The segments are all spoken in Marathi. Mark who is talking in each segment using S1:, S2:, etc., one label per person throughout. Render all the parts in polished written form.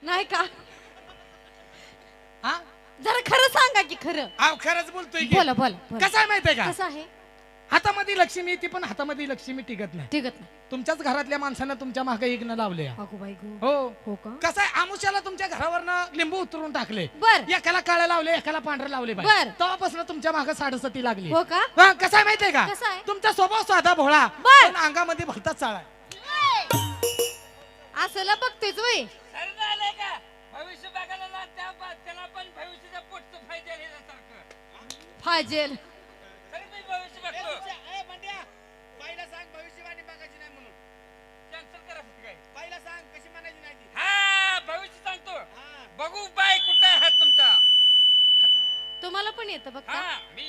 S1: नाही का?
S2: हा
S1: जरा खरं सांगा की खरं.
S2: अहो खरंच बोलतोय की.
S1: बोला बोला बोला.
S2: कसं आहे माहितीये का?
S1: कसं आहे?
S2: हातामध्ये लक्ष्मी येते पण हातामध्ये लक्ष्मी टिकत नाही.
S1: टिकत नाही.
S2: तुमच्याच घरातल्या माणसानं तुमच्या मागे इग्न लावले.
S1: अगो बाई गो.
S2: हो
S1: हो का?
S2: कसं आहे आमुष्याला तुमच्या घरावरनं लिंबू उतरून टाकले.
S1: बर.
S2: एकाला काळे लावले एकाला पांढरे लावले बाई.
S1: बर.
S2: तेव्हापासून तुमच्या मागे साडेसती लागली.
S1: हो का?
S2: हा, कसं आहे माहितीये का?
S1: कसं आहे?
S2: तुमचा स्वभाव साधा भोळा
S1: बर.
S2: पण अंगामध्ये भलताच चाळा आहे.
S1: असलं बघतेच वय.
S3: भविष्य बघायला ना त्याला पण भविष्याच्या पोटचं फायदा सारखं
S1: फाजेल.
S3: तरी मी भविष्य बघतो.
S4: पहिला सांग भविष्यवाणी बघायची नाही म्हणून.
S3: कॅन्सल करा काय
S4: पहिला सांग कशी म्हणायची नाही ती.
S3: हा भविष्य सांगतो. बघू बाय कुठे आहे तुमचा.
S1: तुम्हाला पण येतं बघ का?
S3: हा मी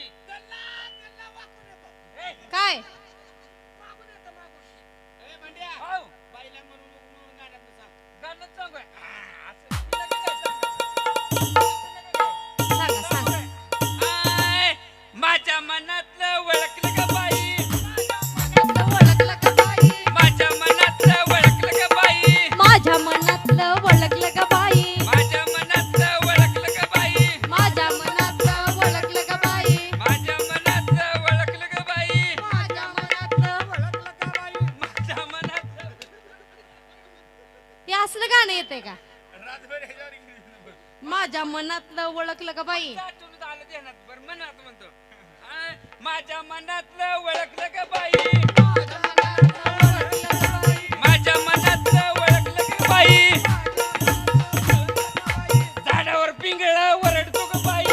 S1: काय?
S4: मागून येतं मागून. ए भांड्या
S3: हो
S4: बाईला म्हणून गाण्यात सांग.
S3: गाणं सांगू असं तिला काय सांगा.
S1: सांगा सांगा.
S3: आय, माझ्या मनातलं ओळखलं का बाई.
S1: ओळखलं का बाई?
S3: माझ्या मनातलं ओळखलं का बाई.
S1: माझ्या मनातलं ओळखलं का बाई?
S3: माझ्या मनातलं ओळखलं का बाई.
S1: माझ्या मनातलं ओळखलं का बाई?
S3: माझ्या मनातलं ओळखलं का बाई.
S1: माझ्या मनातलं
S4: ओळखलं का बाई?
S3: माझ्या मनातलं
S1: हे असलं गाणं येते का?
S4: रातभर ह्याच्यावर इंग्रजी बोल.
S1: माझ्या मनातलं ओळखलं का बाई?
S3: आठवणीत आलं ध्यानात बरं मनात म्हणतो. आय, माझ्या मनातलं ओळखलं का बाई. माझ्या मनातलं ओळखलं का बाई. झाडावर पिंगळा ओरडतो का बाई.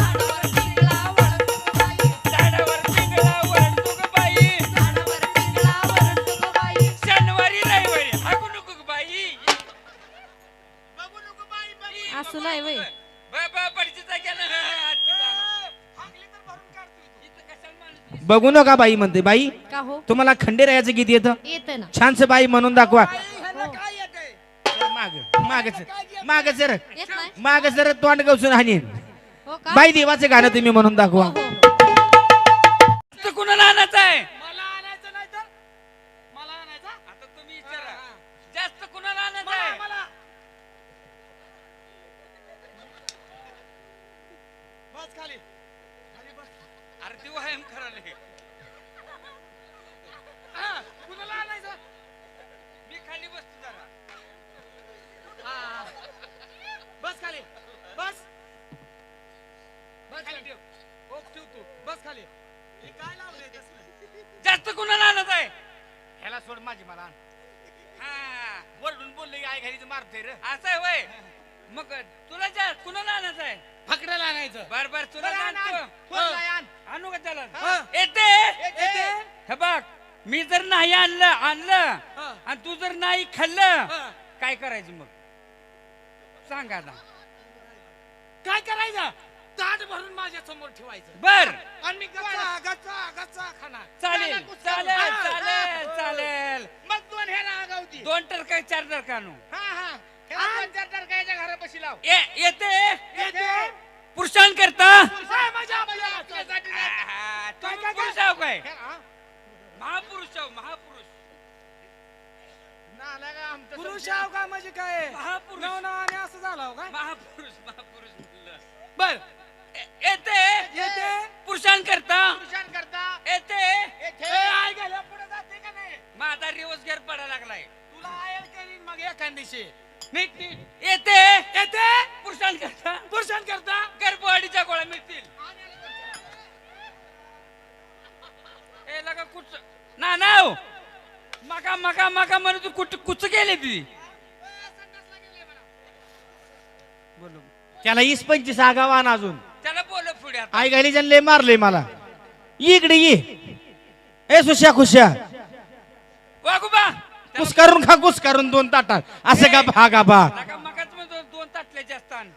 S3: झाडावर पिंगळा ओरडतो का बाई. शनिवारी रविवारी हाकू नको का बाई.
S4: बघू नको बाई बाई.
S1: असं नाही वय.
S3: परिचित गेलं
S4: हाकली तर भरून काढतोय तू.
S3: इथं कशाला माणूस.
S5: बघू नका बाई म्हणते. बाई
S1: का हो?
S5: तुम्हाला खंडेरायाचं गीत येतं
S1: येतं ना.
S5: छानस बाई म्हणून दाखवा.
S4: ह्याला काय येतंय?
S5: माग जर
S1: येत नाही.
S5: माग जर तोंड गवसून हानी
S1: हो का?
S5: बाई देवाचं गाणं तुम्ही म्हणून दाखवा.
S1: हो, हो.
S3: तर कुणाला आणायचं आहे.
S4: मला आणायचं नाही तर मला आणायचा.
S3: आता तुम्ही विचारा जास्त कुणाला आणायचं
S4: मला
S3: आहे.
S4: मला बस खाली खाली बस.
S3: अरे ती व्यायाम करायला हे.
S4: हा, कुणाला आणायचं?
S3: मी खाली बसतो जरा.
S4: हा. बस खाली बस. बस
S3: खाली
S4: खाली
S3: ठेव.
S4: ओक ठेव तू. बस खाली. हे काय लावलंय तसलं?
S3: जास्त कुणाला आणायचं आहे.
S4: ह्याला सोड माझी मला आण.
S3: हा
S4: वरडून बोलले की आई घरीच मारतोय रे.
S3: असं आहे वय. मग तुला जास्त कुणाला आणायचं आहे.
S4: फकड्याला आणायचं.
S3: बर बर तुला
S4: बरं, आण, आण.
S3: आणतो.
S4: फोनला आण.
S3: आणू का त्याला.
S4: हा.
S3: येते
S4: येते.
S3: हे बघ मी जर नाही आणलं
S4: हा.
S3: आणि तू जर नाही खाल्लं
S4: हा.
S3: काय करायचं मग सांग आता.
S4: काय करायचं? ताट भरून माझ्या समोर ठेवायचं.
S3: बर
S4: आणि मी गच्चा गच्चा गच्चा खाणार.
S3: चालेल
S4: त्याला कुस्करून.
S3: चालेल
S4: हा,
S3: चालेल
S4: हा.
S3: चालेल.
S4: मग दोन ह्याला आगावती.
S3: 2 टरका 4 टरका आणू.
S4: हा हा ह्याला दोन चार टरकाच्या घरापाशी लाव.
S3: येते
S4: येते.
S3: पुरुषांकरता.
S4: काय मजा आपल्या आपल्यासाठी नाही.
S3: आहा,
S4: काय,
S3: तुम्ही
S4: काय, काय?
S3: पुरुष आहो काय.
S4: हा?
S3: महापुरुष आहो महापुरुष.
S4: नाला का आमचं
S2: पुरुष
S4: समजा.
S2: आहो का म्हणजे काय?
S3: महापुरुष
S2: नवनावाने असं झालं हो काय?
S3: महापुरुष महापुरुष म्हणलं.
S2: बर
S3: येते
S2: येते.
S3: पुरुषांकरता.
S4: पुरुषांकरता
S3: येते.
S4: येथे. ए, आई गेल्या पुढे जाते का नाही?
S3: माझा रिवर्स घेर पडायला लागलाय.
S4: तुला आयल करीन मग एखाद दिवशी. नीट नीट.
S3: येते
S2: येते.
S3: पुरुषांकरता.
S2: पुरुषांकरता
S3: गर्भवाढीच्या गोळ्या मिळतील. ए लगा कुच ना नाव मका मका मका म्हणून तू कुच गेले ती. बोलो
S5: त्याला 20-25 आगावान अजून
S3: त्याला बोल पुढे आता.
S5: आई घाली लय मारले मला. इकडे ये ए सुश्या खुश्या
S3: वागोबा
S5: कुस करून खा कुस करून 2 ताटात असं का भागा बा.
S3: लगा मकाच म्हणतो 2 ताटले जास्त आण.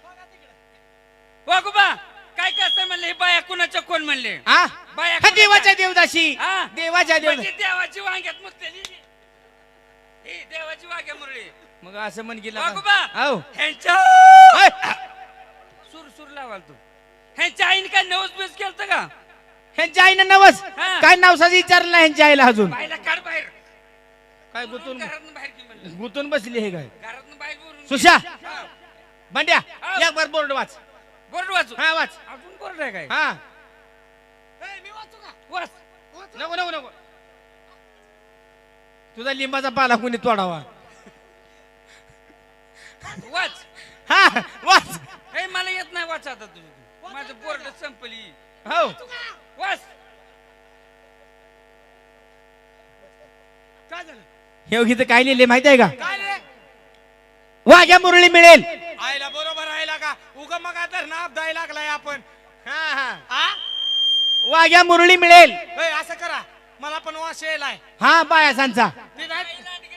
S3: वागोबा काय कसं म्हणले हे बाया कुणाच्या कोण म्हणले.
S5: हा
S3: बाया
S5: हा, देवाच्या देवदाशी
S3: हा?
S5: देवाच्या देव
S3: म्हणजे देवाची वांग्यात मुतलेली ही देवाची वांग्या मुरळी.
S5: मग असं म्हण गेला
S3: वागोबा
S5: हो
S3: ह्यांच्या
S5: ऐ,
S3: सूर सूर लावाल तू. ह्यांच्या आईने काय नवस बेस केलं का.
S5: ह्यांच्या आईनं नवस
S3: हा.
S5: काय नावसाचं विचारलं नाही ह्यांच्या आईला अजून.
S3: बाईला काढ बाहेर.
S5: काय गुतून
S3: घरातून बाहेर की म्हणलं.
S5: गुतून बसली हे काय
S3: घरातून बाहेर बोलून
S5: सुशा
S3: हा.
S5: बंड्या
S3: हो.
S5: एक बार बोर्ड वाच.
S3: बोर्ड वाचू
S5: हा वाच.
S3: अजून बोर्ड आहे काय
S5: हा
S4: ए, मी वाचू का
S3: वाच
S4: वाचू?
S5: नको नको नको. तुझा लिंबाचा पाला कोणी तोडावा.
S3: वाच
S5: हा वाच.
S3: हे मला येत नाही वाच आता तुझं माझं बोर्ड संपली
S5: हो
S3: वाच
S4: काय झालं
S5: हे गीत काय लिहिले माहिती आहे का?
S4: काय रे
S5: वाघ्या मुरळी मिळेल.
S4: आयला बरोबर आयला का उगा मग आता ना दाय लागलाय आपण
S5: हा हा
S4: हा
S5: वाघ्या मुरळी मिळेल.
S4: ए, असं करा मला पण वास यायलाय
S5: हा बायासांचा.
S4: ते नाही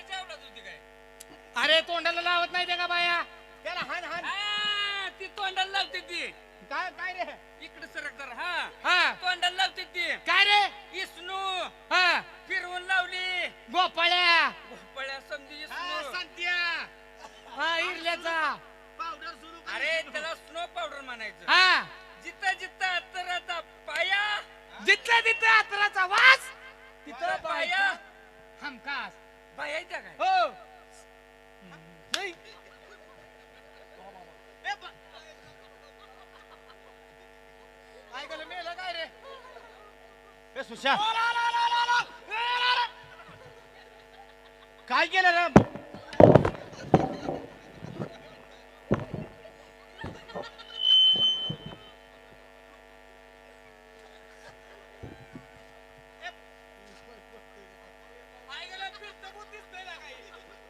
S4: अरे तोंडाला लावत नाही ते का बाया
S5: त्याला हान हान.
S3: हा, ती तोंडाला लावते ती
S5: काय काय रे
S3: इकडे सरक जरा हा
S4: हा
S3: तोंडाला लावते ती
S4: काय रे
S3: इसनू
S4: हा
S3: फिरवून लावली
S4: गोपाळ्या
S3: भोपळ्या समजी
S4: हा,
S3: इसनू
S4: संत्या हा इरल्याचा
S5: पावडर सुरू कर.
S3: अरे त्याला स्नो पावडर म्हणायचं
S4: हा
S3: जिथं जिथं अत्तराचा पाया
S4: जिथल्या तिथं अतराचा वास
S3: तिथं पाया
S4: हमखास
S3: बाया त्या काय
S4: हो नाही काय गेलं मेलं काय रे
S5: ए सुशा
S4: ओला, ओला, ओला, ओला, ओला. ए, ओला, ओला.
S5: काय केलं रे?
S4: काय गेलं फिरतं भूत दिसतंय ना काही.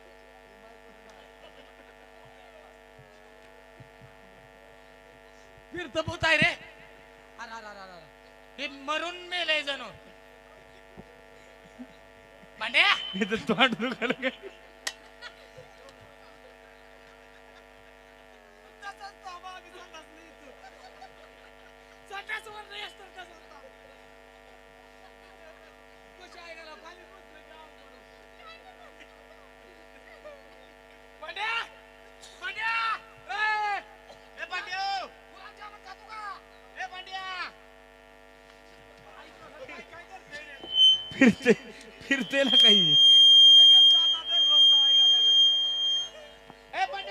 S4: फिरतं भूत आहे रे अरे, अरे, अरे, अरे. हे मरून मेलय जणू भांड्या
S5: इथं तोंड दुखायला काय?
S4: तसाच थांबा, आम्ही संडास नाही इथं. संडास वर नाही असतं तसाच थांब. कशा आहे गेला, खाली बसलं की अवघड. भांड्या! भांड्या! ए!
S5: ए बंड्या
S4: गुलाबजामुन खातो का?
S5: ए बंड्या
S4: काय करतोय रे?
S5: फिरते फिरते ना काही.
S4: कुठे गेलता आता? दर भाऊ काय घालायला?
S5: ए बंड्या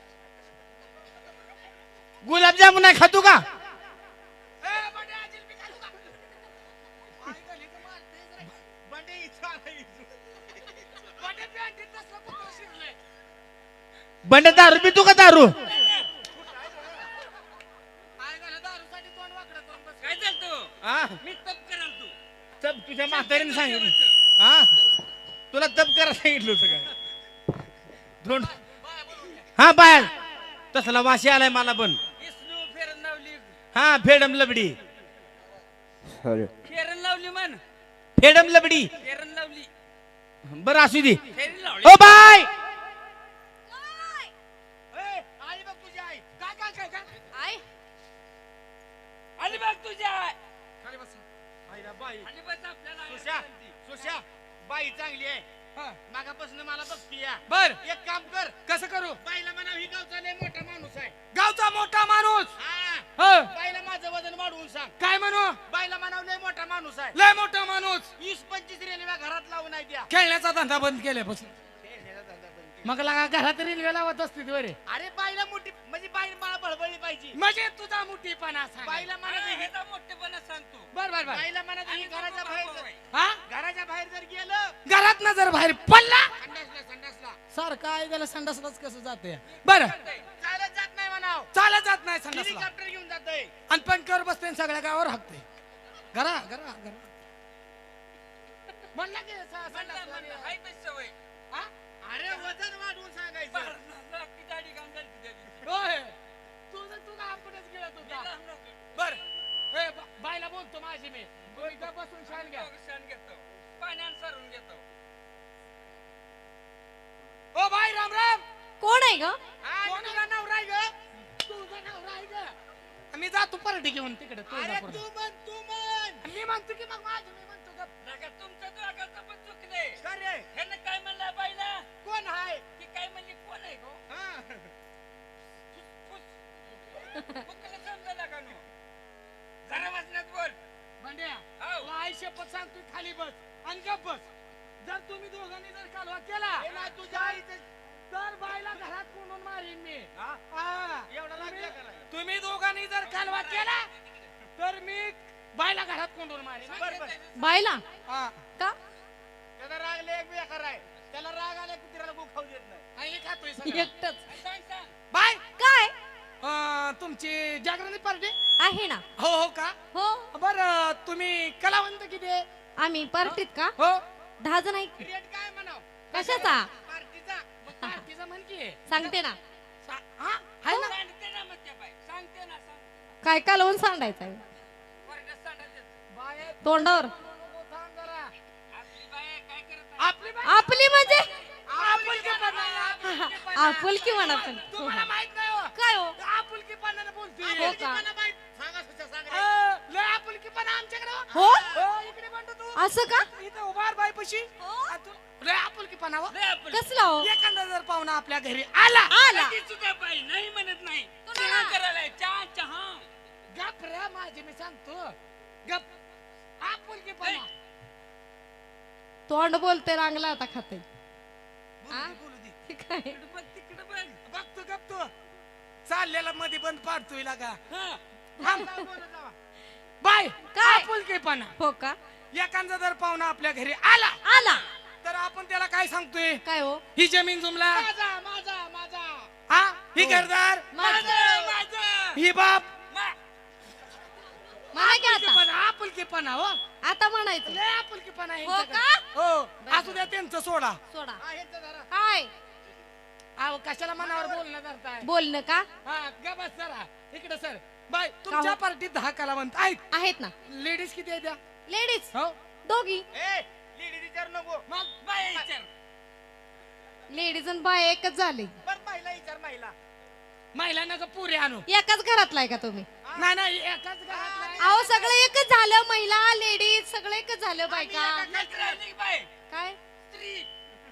S5: गुलाबजामुन नाही खातो का?
S4: ए, भांड्या, जिलबी खातो का? आई गली तर मारतेच रे.
S5: बंड्या इथं आला इथं.
S4: भांड्या पॅन्टीत तसलं कुठं शिरलंय?
S5: बंड्या दारू पितो का दारू?
S4: आई गली दारूसाठी तोंड वाकडं करून बसलं.
S3: काय झालं तू
S5: हा
S3: मी तप कराल तू
S5: तब तुझ्या म्हातारीने सांगितलं. हा तुला तब करायला सांगितलं होतं काय? दोन हा बाय तसला वाशी आलाय मला पण.
S3: इसनू फेरन लावली
S5: हा फेडम लबडी
S3: फेरन लावली म्हण
S5: फेडम लबडी.
S3: फेरन लावली
S5: बरं असू दे.
S3: फेरन लावली
S5: ओ बाय
S4: आई बघ तुझी आई काय काय काय काय
S1: आई
S3: आली बघ तुझ्या
S4: खाली बस
S5: बाई
S3: आणि बस आपल्याला
S5: सुशा सुशा बाई चांगली आहे.
S4: हा.
S5: मागापासून मला बघती या.
S4: बर
S5: एक काम कर
S4: कसं करू
S5: बाईला म्हणा ही गावचा लय मोठा माणूस आहे.
S4: गावचा मोठा माणूस
S5: हा
S4: ह.
S5: बाईला माझं वजन वाढवून सांग.
S4: काय म्हणू
S5: बाईला म्हणा लय मोठा माणूस आहे.
S4: लय मोठा माणूस
S5: 20-25 रेल्वे घरात लावून नाही द्या.
S4: खेळण्याचा धंदा बंद केल्यापासून मग लगा घरात रेल्वे लावत असते रे
S5: अरे बाईला मोठी म्हणजे बाई मला बळबळली पाहिजे.
S4: म्हणजे तुझा मोठीपणा सांग
S5: बाईला म्हणा ही
S3: ह्याचा मोठेपणा सांगतो
S4: बर बर बर
S5: बाईला म्हणा ही घराच्या बाहेर
S4: हा
S5: घराच्या बाहेर जर गेलं
S4: घरात न जर बाहेर पडला
S5: संडासला
S4: सारखं आहे गेला संडासलाच कसं जाते बर
S5: चालत जात नाही म्हणाव.
S4: चालत जात नाही संडासला
S5: हेलिकॉप्टर घेऊन जातोय.
S4: आणि पंख्यावर बसते आणि सगळ्या गावावर हाकते घरा घरा घरा म्हणला की संडासला रे.
S3: हाय तशी सवय
S4: हा?
S5: अरे वजन वाढवून सांगायचं.
S3: बाहेर ती दाढी घालून झाली त्या दिवशी.
S4: होय तुझं तुझा आपणच गिळत होता बर ए बायला बोलतो माझी मी तुम्ही इथं बसून शान घ्या
S3: शान घेतो पाण्यानं सारून घेतो
S4: ओ बाई राम राम
S1: कोण आहे ग?
S4: कोणाला नवरा आहे ग तुझा नवरा आहे ग मी जातो परडी घेऊन तिकडे
S5: अरे तू म्हण
S4: मी म्हणतो की मग माझी मी म्हणतो का
S3: नका तुमचं दोघांचं पण चुकलंय
S5: का रे
S3: ह्यानं काय म्हणलं बाईला
S5: कोण आहे?
S3: ती काय म्हणली कोण आहे गो
S5: हा.
S3: फुकलं समजायला का नो जरा वाचण्यात बोल
S4: भांड्या
S3: हाव.
S4: तुला आई शपथ सांगतो खाली बस आणि गप बस जर तुम्ही दोघांनी जर कालवा केला
S5: हे ना तुझ्या आईचं
S4: तर बाईला घरात कोंडून मारीन मी
S5: हा?
S4: हा. तुम्ही जर कालवा केला तर मी बायला घरात कोंडून मारेन.
S1: बायला
S4: हा.
S1: का
S5: त्याला राग लय एक बेकार आहे. त्याला राग आला कुत्र्याला गो खाऊ देत नाही.
S4: आणि हे खातोय सगळं.
S1: एकटच
S4: बाय
S1: काय
S4: तुमची जागरणी पार्टी
S1: आहे ना
S4: हो हो का
S1: हो
S4: बर तुम्ही कलावंत किती आहे?
S1: आम्ही पार्टीत का
S4: हो
S1: 10 जण आहे
S4: रेट काय म्हणाव
S1: कशाचा
S4: पार्टीचा पार्टीचा म्हण की
S1: सांगते ना
S4: हा आहे ना
S3: सांगते ना मग त्या बाई सांगते ना
S1: काय कालवून सांडायचं आहे
S3: वर्गात सांगायचं.
S4: बाय
S1: तोंडावर
S4: थांब जरा.
S3: आपली बाई काय करत आहे?
S4: आपली बाय
S1: आपली म्हणजे
S4: आपुलकीपणा.
S1: आपुलकी म्हणा पण
S4: तुम्हाला माहित नाही हो.
S1: काय हो
S4: आपुलकीपणाने बोलतोय.
S1: हो का?
S4: आपुलकीपणा माहित.
S5: सांगा सुद्धा सांग रे.
S4: लय आपुलकीपणा आमच्याकडे हो.
S1: हो
S4: हो, इकडे म्हणतो तू
S1: असं का
S4: इथं उभार बाय पशी
S1: हो?
S4: लय आपुलकीपणा हो.
S3: लय आपण
S1: कसला हो
S4: एखादा जर पाहुणा आपल्या घरी आला
S1: आला
S3: ती सुद्धा बाई नाही म्हणत नाही
S1: तो
S3: चहा
S1: ना.
S3: करायला चहा चहा
S4: गप रे माझे मी सांगतो गप आपुलकीपणा
S1: तोंड बोलते रांगला आता खाते
S4: बोलू दे, बोलू दे.
S1: काय
S3: तिकडं बघ तिकडं बघ
S4: बघतो गप तू चाललेला मध्ये बंद पाडतोय लागा
S3: हा
S4: बाय
S1: काय?
S4: आपुलकीपणा
S1: हो का
S4: एखादा जर पाहुणा आपल्या घरी आला
S1: आला
S4: तर आपण त्याला काय सांगतोय
S1: काय हो
S4: ही जमीन जुमला
S3: माझा माझा माझा
S4: हा ही घरदार
S3: माझं माझं
S4: ही बाप
S1: म्हणा की आता
S4: आपुलकीपणा आपुलकीपणा हो
S1: आता म्हणायचं
S4: लय आपुलकीपणा आहे
S1: हो
S4: यांच्याकडे.
S1: का?
S4: हो असू द्या त्यांचं सोडा
S1: सोडा काय
S4: अहो कशाला मनावर बोलणं करताय
S1: बोलणं का
S4: हा ग बस जरा इकडे सर बाय तुमच्या पार्टीत 10 कलावंत आहेत
S1: आहेत ना
S4: लेडीज किती आहेत त्या?
S1: लेडीज
S4: हो
S1: दोघी
S5: लेडी विचार नको.
S4: मग
S3: बाई विचार
S1: लेडीज आणि बाय एकच झाली
S5: बरं महिला विचार महिला.
S4: महिलांना का पुरे आणू
S1: एकाच घरातला आहे का तुम्ही
S4: नाही नाही एकाच घरात नाही.
S1: अहो सगळं एकच झालं महिला लेडीज सगळं एकच झालं बायका
S3: नजर आली की बाई
S1: काय
S3: स्त्री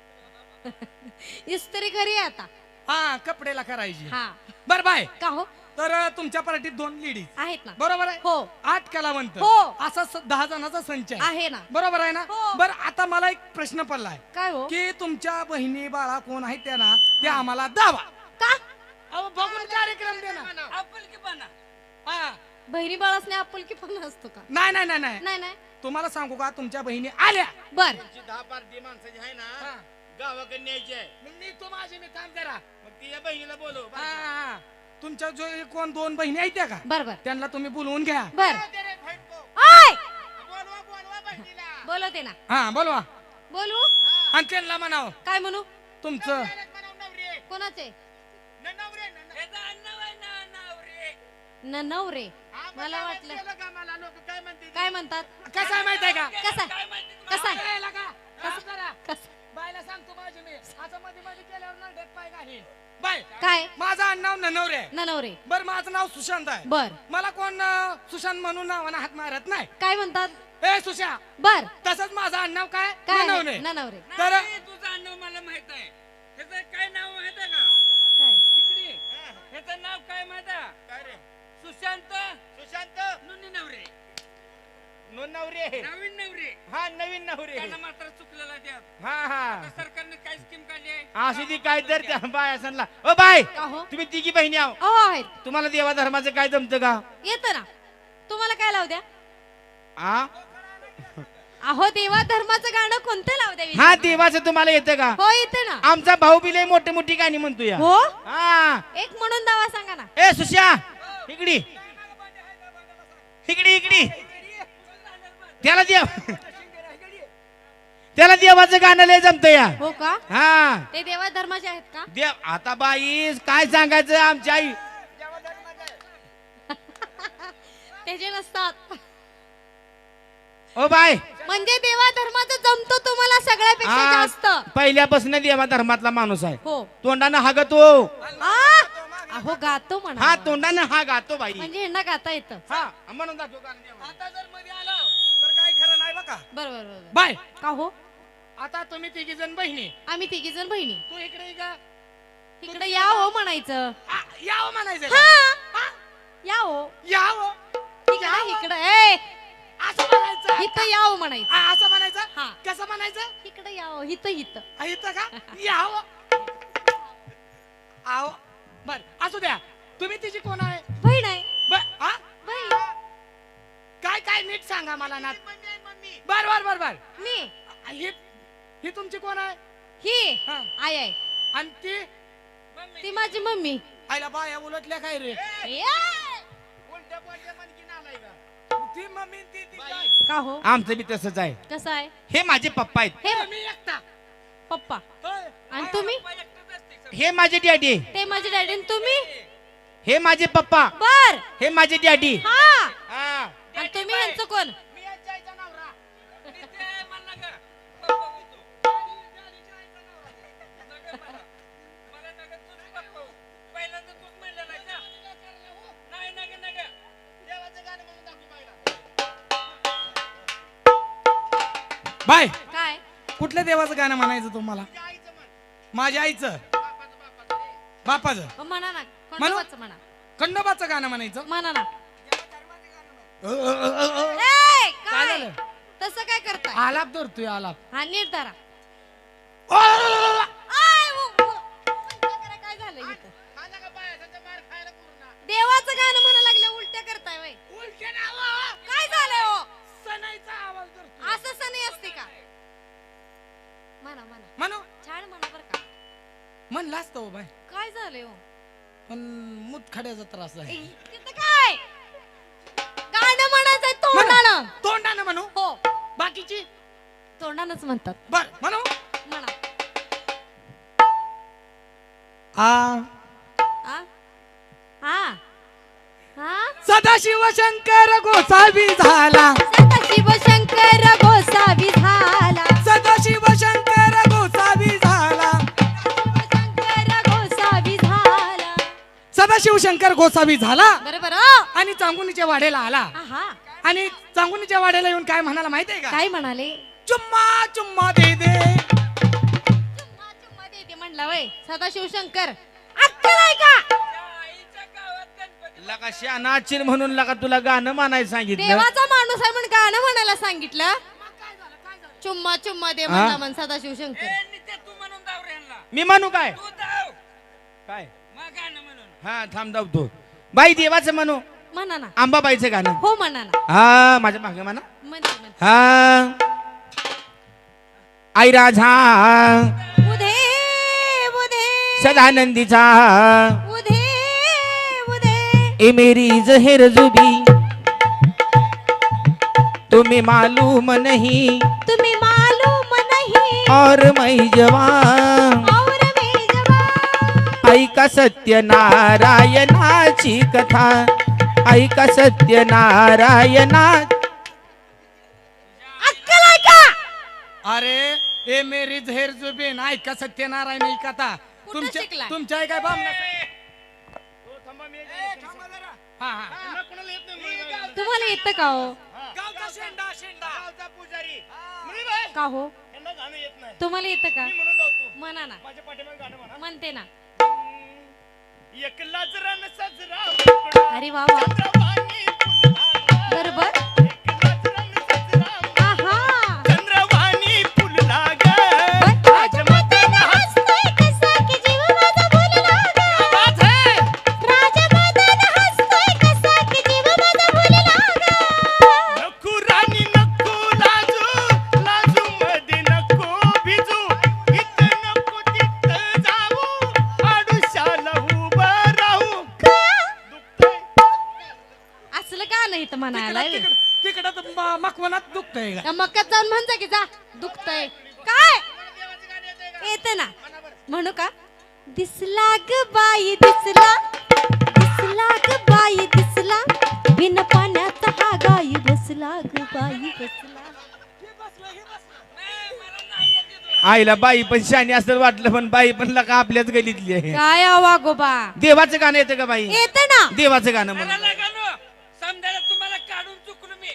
S1: इस्त्री घरी आहे आता
S4: हा कपडेला करायची
S1: हा
S4: बर बाय
S1: का हो
S4: तर तुमच्या पार्टीत 2 लेडीज
S1: आहेत ना
S4: बरोबर आहे
S1: हो
S4: 8 कलावंत
S1: हो.
S4: असा 10 जणांचा संच आहे
S1: आहे ना
S4: बरोबर आहे ना
S1: हो.
S4: बर आता मला एक प्रश्न पडलाय
S1: काय हो
S4: की तुमच्या बहिणी बाळा कोण आहेत त्या ना ते आम्हाला दावा
S1: का
S4: अहो बघून कार्यक्रम दे ना
S3: आपुलकीपणा
S4: हा
S1: बहिणी बाळासने आपुलकी पण असतो का
S4: नाही नाही नाही नाही
S1: नाही नाही
S4: तुम्हाला सांगू का तुमच्या बहिणी आल्या
S1: बर
S5: तुमची 10 पार्टी माणसाची आहे
S4: हा.
S5: ना गावाकडे न्यायची आहे.
S4: मग मी तो माझी मी थांब जरा
S5: मग ती या बहिणीला बोलव.
S4: हा, हा. तुमच्या जो कोण 2 बहिणी आहेत त्या का
S1: बर बर
S4: त्यांना तुम्ही बोलवून घ्या
S1: बर
S5: दे रे, फाईट को.
S1: आय
S5: बोलवा बोलवा बहिणीला.
S1: बोलवते ना
S4: हा बोलवा
S1: बोलू
S4: आणि त्यांना म्हणाव
S1: काय म्हणू
S4: तुमचं
S5: म्हणाव नवरी.
S1: कोणाचे
S5: नवरे
S3: याचा अण्णा बाई ना नवरे
S1: नवरे
S5: हा, मग
S1: मला
S5: काय
S1: वाटलं
S5: केलं का मला लोक काय म्हणतील?
S1: काय म्हणतात
S4: कसं आहे माहित आहे का
S1: कसा
S3: काय माहिती तुला?
S1: कसा आहे?
S4: कळायला का? हा, जरा.
S1: कसा
S4: बायला सांगतो माझी मी आता मध्ये मध्ये केल्यावर ना डेट पाय काही बाय
S1: काय
S4: माझं आडनाव ननवरे आहे
S1: नवरे
S4: बर माझं नाव सुशांत आहे
S1: बर
S4: मला कोण सुशांत म्हणून नावानं हात मारत नाही
S1: काय म्हणतात
S4: ए सुशा
S1: बर
S4: तसंच माझं आडनाव काय
S1: काय
S4: ननवरे
S1: नवरे
S4: तर
S3: नाही, तुझं अण्णा मला माहित आहे ह्याचं काय नाव माहित आहे का
S1: काय
S3: इकडे ह्याचं नाव काय माहित आहे
S5: काय रे?
S3: सुशांत
S5: सुशांत
S3: नुनी नवरे
S5: नवरी आहे.
S3: नवीन नवरे
S5: हा नवीन नवरी आहे.
S3: त्यांना मात्र चुकलेला द्या
S5: हा हा
S3: सरकारने काय स्कीम काढली आहे
S5: अशी ती काय तर त्या बाय असनला ओ बाय
S1: का हो
S5: तुम्ही तिघी बहिणी आहो
S1: अहो आहेत
S5: तुम्हाला देवा धर्माचं काय जमतं का
S1: येतं ना तुम्हाला काय लावू द्या
S5: हा
S1: अहो देवा धर्माचं गाणं कोणतं लावू द्या
S5: हा देवाचं तुम्हाला येतं का
S1: हो येते ना
S5: आमचा भाऊ बी लय मोठी मोठी गाणी म्हणतो या
S1: हो
S5: हा
S1: एक म्हणून दावा सांगा ना
S5: ए सुश्या इकडी इकडी इकडी त्याला देव त्याला देवाचं गाणं लय जमत या
S1: हो का
S5: हा
S1: ते देवा धर्माचे आहेत का
S5: देव आता बाई काय सांगायचं आमची आई
S1: ते जे नसतात
S5: ओ बाय
S1: म्हणजे देवा धर्माचं जमतो तुम्हाला सगळ्यापेक्षा
S5: हा
S1: जास्त
S5: पहिल्यापासून देवा धर्मातला माणूस आहे
S1: हो
S5: तोंडानं हागतो
S1: आ? अहो गातो म्हणा
S5: हा तोंडानं हा गातो बाई
S1: म्हणजे ह्यांना गाता येतं
S5: हा म्हणून जातो गाणं देवा.
S4: आता जर मध्ये आलं तर काय खरं नाही बघा
S1: बरोबर बरोबर
S4: बाय
S1: का हो
S4: आता तुम्ही 3 जण बहिणी
S1: आम्ही तिघी जण बहिणी
S4: तू इकडे ये का
S1: तिकडे या हो म्हणायचं
S4: यावं म्हणायचं
S1: हा
S4: का?
S1: या हो
S4: यावं
S1: इकडे इकडे ए
S4: असं म्हणायचं
S1: इथं या हो म्हणायचं
S4: असं म्हणायचं
S1: हा.
S4: कसं म्हणायचं
S1: इकडे या हो इथं इथं
S4: इथं का यावं आव बर असू द्या तुम्ही तिची कोण आहे
S1: बहीण आहे
S4: हा?
S1: बाई
S4: काय काय नीट सांगा मला ना. बर बर बर बर.
S1: मी
S4: ही तुमची कोण आहे?
S1: ही
S4: हा.
S1: आई आहे.
S4: आणि
S1: ती माझी मम्मी.
S4: आईला बाया उलटल्या काय रे?
S1: ए!
S4: ती मम्मी ती
S1: का हो
S5: आमचं बी तसंच आहे.
S1: कसं आहे
S5: हे माझे पप्पा आहेत.
S1: हे
S4: मी एकटा.
S1: पप्पा
S4: होय.
S1: आणि तुम्ही
S5: हे माझे डॅडी.
S1: ते माझे डॅडी आणि तुम्ही
S5: हे माझे पप्पा.
S1: बर
S5: हे माझे डॅडी.
S1: हा
S5: हा.
S1: आणि तुम्ही यांचं कोण
S4: मी यांच्या आईचा नवरा.
S3: देवाचं गाणं म्हणून दाखव बाईला.
S4: बाय
S1: काय
S4: कुठल्या देवाचं गाणं म्हणायचं तुम्हाला? माझ्या आईचं बापाचं
S1: म्हणा ना खंडोबाचं म्हणा
S4: खंडोबाचं गाणं म्हणायचं.
S1: म्हणा ना ए,
S4: काय
S1: काय
S4: झालं?
S1: तसं काय करताय
S4: आलाप धरतोय आलाप.
S1: हा नीट धरा
S4: ओ,
S1: आय, काय झालं इथं देवाचं गाणं म्हणा लागलं उलट्या करताय वय
S4: उलटे नावं.
S1: काय झालंय हो
S4: सणाईचा आवाज धरतोय.
S1: असं सण असते का म्हणा म्हणा
S4: म्हणू
S1: छान म्हणा बर का
S4: म्हणलं असतं हो बाय,
S1: काय झालंय हो
S4: पण मुतखड्याचा त्रास आहे.
S1: तिथं काय गाणं म्हणायचंय तोंडानं
S4: तोंडानं म्हणू.
S1: हो
S4: बाकीची
S1: तोंडानंच म्हणतात
S4: बर म्हणू.
S1: म्हणा
S4: आ
S1: आ हा हा
S4: सदाशिव शंकर गोसावी झाला.
S1: सदाशिव शंकर गोसावी झाला
S4: सदाशिव शंकर गोसावी झाला.
S1: शंकर गोसावी झाला
S4: सदाशिव शंकर गोसावी झाला
S1: बरोबर
S4: आणि चांगुनीच्या वाड्याला आला.
S1: हा
S4: आणि चांगुनीच्या वाड्याला येऊन काय म्हणाला माहितीये का?
S1: काय म्हणाले
S4: चुम्मा चुम्मा दे दे.
S1: चुम्मा चुम्मा देते म्हणला वय सदाशिव शंकर अक्कल आहे का
S5: लका शानाचिन म्हणून लका तुला गाणं म्हणायला सांगितलं.
S1: देवाचा माणूस आहे म्हणून गाणं म्हणायला सांगितलं चुम्मा चुम्मा दे म्हणला म्हण सदाशिव शंकर
S3: तू म्हणून दाव रे ह्यांना.
S5: मी म्हणू काय?
S3: तू दाव
S5: काय?
S3: मग गाणं म्हणून.
S5: हा थांब धावतो. बाई देवाचं म्हणू.
S1: म्हणा ना
S5: अंबाबाईचं गाणं.
S1: हो म्हणा ना
S5: हा माझ्या मागे म्हणा.
S1: म्हणते म्हणते
S5: हा आई राझा
S1: उधे उधे
S5: सदानंदीचा
S1: उधे उधे
S5: ए मेरी जहर जुबी तुम्हें मालूम नहीं
S1: तुम्हें मालूम नहीं
S5: और मैं जवान
S1: और मैं जवान
S5: ऐका सत्यनारायणाची कथा ऐका सत्यनारायणा.
S1: अक्कल आहे का
S4: अरे ए मेरी झेर जुबेन ऐका सत्यनारायण ही कथा.
S1: कुठं शिकलाय?
S4: तुमच्या आहे काय बामणा? हा हा
S1: तुम्हाला येतं का हो
S4: गावचा शेंडा शेंडा.
S1: का हो
S5: यांना गाणं येत नाही.
S1: तुम्हाला येतं का
S5: मी म्हणून जातो.
S1: म्हणा ना
S5: माझ्या पाठीमागे गाणं म्हणा.
S1: म्हणते ना
S5: एकलाच रण सजरा
S1: अरे वा वा
S5: चंद्रवाणी फुलला
S1: बरोबर
S5: एकलाच रण सजरा
S1: आहा
S5: चंद्रवाणी फुलला ग
S1: राजमदन हसतोय कसा की जीव माझा भुलला ग
S5: आवाज है.
S1: राजमदन हसतोय कसा की जीव माझा भुलला ग
S5: नको राणी नको लाजू लाजू मध्ये नको भिजू इथं नको तिथं जाऊ आडुशाला उभं राहू. दुखतंय.
S1: असलं का नाही तर म्हणायला
S4: तिकडं मकवनात दुखतंय का?
S1: त्या मक्यात जाऊन म्हणता की जा दुखतय काय येते ना म्हणू का दिसला ग बाई दिसला दिसला ग बाई दिसला बिन पाण्याचा हा गाई बसला ग बाई बसला
S5: आईला बाई पण शानी असं वाटलं पण बाई पण लका आपल्याच गलीतली आहे.
S1: काय आवा गोबा
S5: देवाचं गाणं येतं का बाई?
S1: येते ना
S5: देवाचं गाणं म्हणून.
S3: मला गाणं समजायला तुम्हाला काढून चुकलो मी.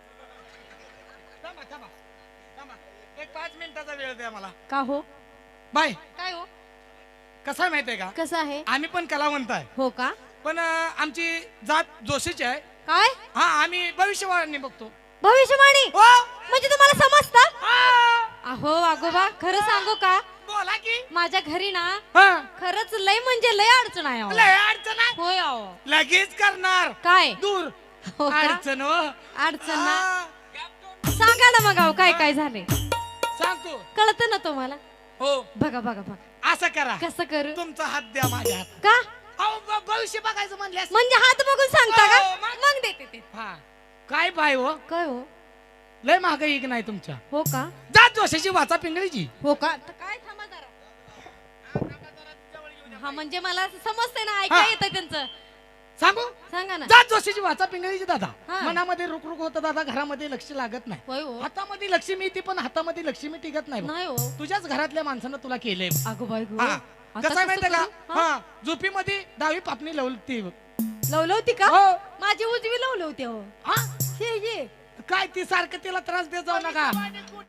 S4: थांबा थांबा थांबा. एक 5 मिनिटाचा वेळ द्या मला.
S1: का हो
S4: बाय
S1: काय हो
S4: कसं आहे माहितीये का?
S1: कसं आहे
S4: आम्ही पण कलावंत आहे
S1: हो का
S4: पण आमची जात जोशीची आहे.
S1: काय
S4: हा आम्ही भविष्यवाणी बघतो.
S1: भविष्यवाणी
S4: हो
S1: म्हणजे तुम्हाला समजतं
S4: हा.
S1: अहो आगोबा खरं सांगू का
S4: बोला की.
S1: माझ्या घरी ना
S4: हा
S1: खरंच लय म्हणजे लय अडचण आहे अहो.
S4: लय अडचण आहे.
S1: होय अहो
S2: लगेच करणार
S1: काय
S2: दूर
S1: हो का?
S2: अडचण हो.
S1: अडचण ना
S2: हा.
S1: सांगा ना मग अहो काय काय झाले
S2: सांगतो
S1: कळतं ना तुम्हाला
S2: हो
S1: बघा बघा बघा
S2: असं करा
S1: कसं करू
S2: तुमचा हात द्या माझ्या हात
S1: का
S2: अहो, भविष्य बघायचं म्हणल्यास
S1: म्हणजे हात बघून सांगता का
S2: हो, मग?
S1: मग देते ते
S2: हा काय पाय हो
S1: काय हो
S2: लय महाग एक नाही तुमच्या
S1: हो का
S2: जात जोशाची वाचा पिंगळीची
S1: हो का तर काय थांबा जरा हा म्हणजे मला असं समजतंय ना ऐका
S2: हा.
S1: येतं त्यांचं
S2: सांगू
S1: सांगा ना
S2: जात जोशीची वाचा पिंगळीची दादा
S1: हा.
S2: मनामध्ये रुक रुक होतं दादा घरामध्ये लक्ष लागत नाही
S1: होय हो
S2: हातामध्ये लक्ष्मी येते पण हातामध्ये लक्ष्मी टिकत नाही बघ.
S1: नाही हो
S2: तुझ्याच घरातल्या माणसानं तुला केलंय
S1: अगो बाई गो
S2: हा.
S1: आता
S2: कसं आहे माहितीये का
S1: करू? हा?
S2: हा झोपीमध्ये डावी पापणी लवलती बघ.
S1: लवलवती का
S2: हो.
S1: माझी उजवी लवलवती हो
S2: हा
S1: हे ये
S2: काय ती सारखं तिला त्रास देत जाऊ नका